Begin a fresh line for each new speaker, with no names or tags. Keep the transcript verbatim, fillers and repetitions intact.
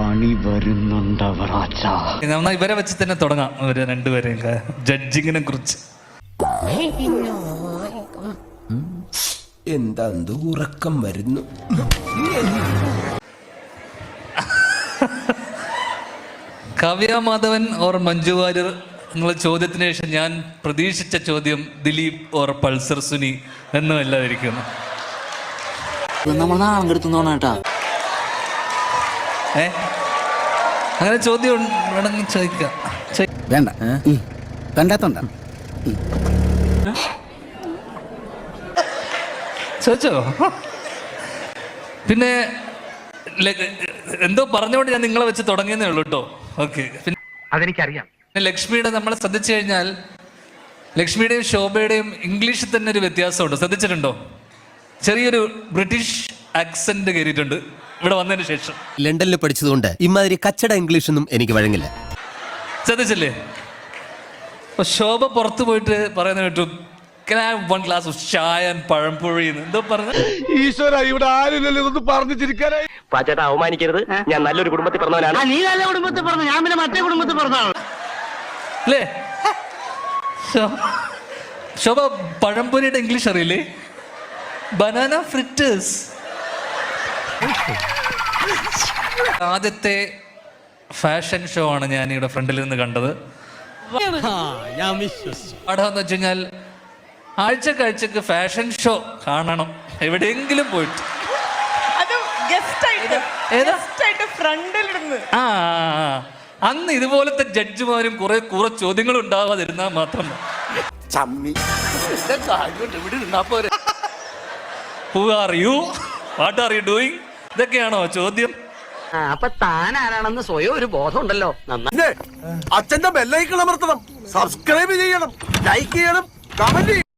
പണി വരുന്നുണ്ടവറാച്ച.
നന്നായി ഇവരെ വെച്ച് തന്നെ തുടങ്ങാം. ഇവര് രണ്ടുപേരെയും ജഡ്ജിങ്ങിനെ കുറിച്ച്.
എന്താ ഉറക്കം വരുന്നു.
കാവ്യ മാധവൻ ഓർ മഞ്ജു വാര്യർ എന്നുള്ള ചോദ്യത്തിന് ശേഷം ഞാൻ പ്രതീക്ഷിച്ച ചോദ്യം ദിലീപ് ഓർ പൾസർ സുനി എന്നുമല്ലാതിരിക്കുന്നു.
നമ്മൾ നാളെ എടുത്തോണേട്ടാ.
ഏ അങ്ങനെ ചോദ്യം വേണമെങ്കിൽ ചോദിക്കാം.
വേണ്ട കണ്ടാത്തോണ്ട
ചോദിച്ചോ? പിന്നെ എന്തോ പറഞ്ഞുകൊണ്ട് ഞാൻ നിങ്ങളെ വെച്ച് തുടങ്ങിയെന്നേ ഉള്ളൂ കേട്ടോ. ഓക്കെ, പിന്നെ
അതെനിക്കറിയാം.
ലക്ഷ്മിയുടെ നമ്മൾ ശ്രദ്ധിച്ചു കഴിഞ്ഞാൽ ലക്ഷ്മിയുടെയും ശോഭയുടെയും ഇംഗ്ലീഷിൽ തന്നെ ഒരു വ്യത്യാസമുണ്ട്. ശ്രദ്ധിച്ചിട്ടുണ്ടോ? ചെറിയൊരു ബ്രിട്ടീഷ് ആക്സെന്റ് കയറിയിട്ടുണ്ട് ഇവിടെ വന്നതിന് ശേഷം.
ലണ്ടനിൽ പഠിച്ചതുകൊണ്ട് ഇമാതിരി കച്ചട ഇംഗ്ലീഷൊന്നും എനിക്ക് വഴങ്ങില്ല.
ശ്രദ്ധിച്ചില്ലേ? അപ്പൊ ശോഭ പുറത്തു പോയിട്ട് പറയുന്ന കേട്ടു, വൺ ഗ്ലാസ് ഓഫ് ചായ പഴംപൊഴി എന്തോ പറഞ്ഞു.
ഈശ്വര, ഇവിടെ ആരില്ലല്ലോ ഇതൊന്നും പറഞ്ഞു ചിരിക്കാനായി.
പാച്ചേട്ടാ, അവമാനിക്കരുത്. ഞാൻ നല്ലൊരു കുടുംബത്തിൽ പറഞ്ഞവനാണ്.
നീ നല്ല കുടുംബത്തിൽ പറഞ്ഞു, ഞാൻ പിന്നെ മറ്റേ കുടുംബത്തിൽ പറഞ്ഞാണ്
അല്ലേ? ശോഭ പഴംപൊരിയുടെ ഇംഗ്ലീഷ് അറിയില്ലേ? Banana fritters. ആദ്യത്തെ ഫാഷൻ ഷോ ആണ് ഞാൻ ഇവിടെ ഫ്രണ്ടിൽ നിന്ന് കണ്ടത്. പാഠമെന്ന് വെച്ച് കഴിഞ്ഞാൽ ആഴ്ചക്കാഴ്ചക്ക് ഫാഷൻ ഷോ കാണണം എവിടെയെങ്കിലും പോയിട്ട്. ആ അന്ന് ഇതുപോലത്തെ ജഡ്ജിമാരും കുറെ കുറെ ചോദ്യങ്ങൾ ഉണ്ടാവാതിരുന്നാൽ മാത്രം. Who are you? What are you doing? ഇതൊക്കെയാണോ ചോദ്യം?
അപ്പൊ താൻ ആരാണെന്ന് സ്വയം ഒരു ബോധം ഉണ്ടല്ലോ.
അച്ഛന്റെ ബെല്ലൈക്കൺ അമർത്തണം, സബ്സ്ക്രൈബ് ചെയ്യണം, ലൈക്ക് ചെയ്യണം, കമന്റ് ചെയ്യണം.